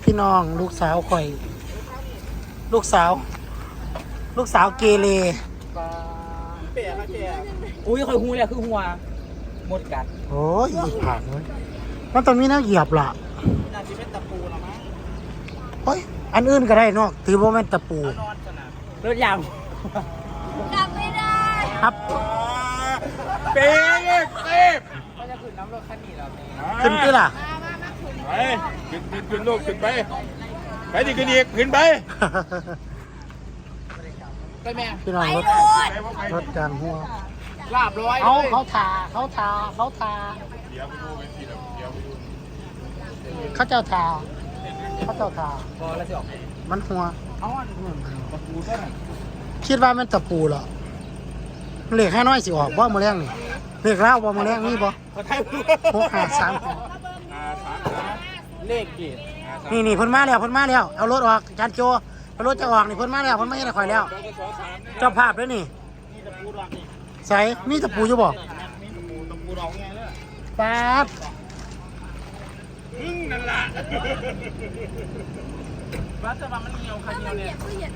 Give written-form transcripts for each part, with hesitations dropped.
พี่น้องลูกสาวข่อยลูกสาวเกเรเปียกอะเปียกอุ้ยคอยหูเลยคือหัวหมดกัดโอ้ยอีกผักเลยมันตรงนี้น่าเหยียบล่ะน่าจะเป็นตะปูหรอมั้งโอ้ยอันอื่นก็ได้เนาะถือว่าแม่นตะปูนอนกันนะรถยางกลับไม่ได้ครับเป๊ะก็จะขึ้นน้ำรถคันนี้แล้วขึ้นที่ล่ะไปขึ้นลูกขึ้นไปไปดิขึ้นอีกขึ้นไปไปแม่พี่น้องรถจานหัวลาบร้อยเขาทาเขาเจ้าทาพอแล้วจะออกมันหัวเอาตะปูก็น่ะคิดว่ามันตะปูเหรอเหล็กแค่น้อยสิออกบ่มาแรงนี่เหล็กเล่าบ่มาแรงนี่บ่653 เลขกี่นี่เพิ่นมาแล้วเอารถออกจานโจเอารถจะออกนี่เพิ่นมาแล้วเพิ่นไม่ให้ข่อยแล้วเจ้าภาพด้วยนี่ใส่มีตะปูอยู่บ่ตะปูดอกไงเนี่ยป๊าบนั่นล่ะว่าจะว่ามันเหนียวคันเดียวเนี่ย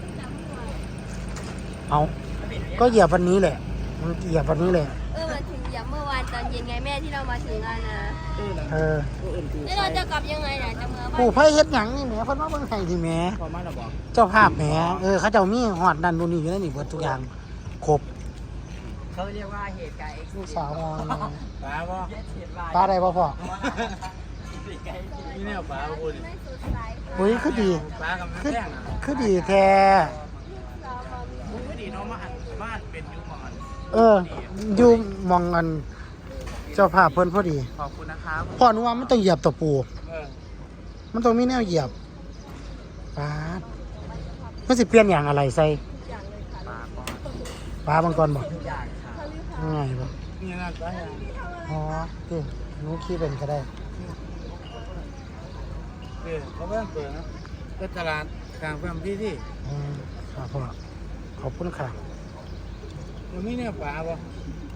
เอาก็เหยียบวันนี้แหละมันเหยียบวันนี้แหละมันถึงเหยียบเมื่อวานตอนเย็นไงแม่ที่เรามาถึงกันนะแล้วเราจะกลับยังไงเนี่ยจะเมื่อปู่ไผเฮ็ดหยังนี่แหมเพิ่นมาเบิ่งให้ที่แหมเจ้าภาพแหมเขาเจ้ามีฮอดนั่นนู่นนี่อยู่ในนี่เบิดทุกอย่างครบเขาเรียกว่าเหตุการณ์ลูกสาวมองปลาได้บ่พ่อนี่เนี่ยปลาคุณอุ้ยคือดีปลากับแท่งคือดีแท้คือดีน้องมาเป็นยุมอนอยู่มองกันเจ้าภาพเพิ่นพอดีขอบคุณนะครับพ่อหนูว่ามันต้องเหยียบตะปูมันต้องมีแนวเหยียบป๊าดมันสิเปลี่ยนอย่างอะไรใส่ปลาบางกรบอกง่ายป่ะนี่นะปลาอ๋อคือหนูขี้เป็นก็ได้เขาเพิ่งเปิดนะเป็นตลาดกลางเพิ่มที่ครับพ่อขอบคุณค่ะยังไม่เนี่ยปลาป่ะ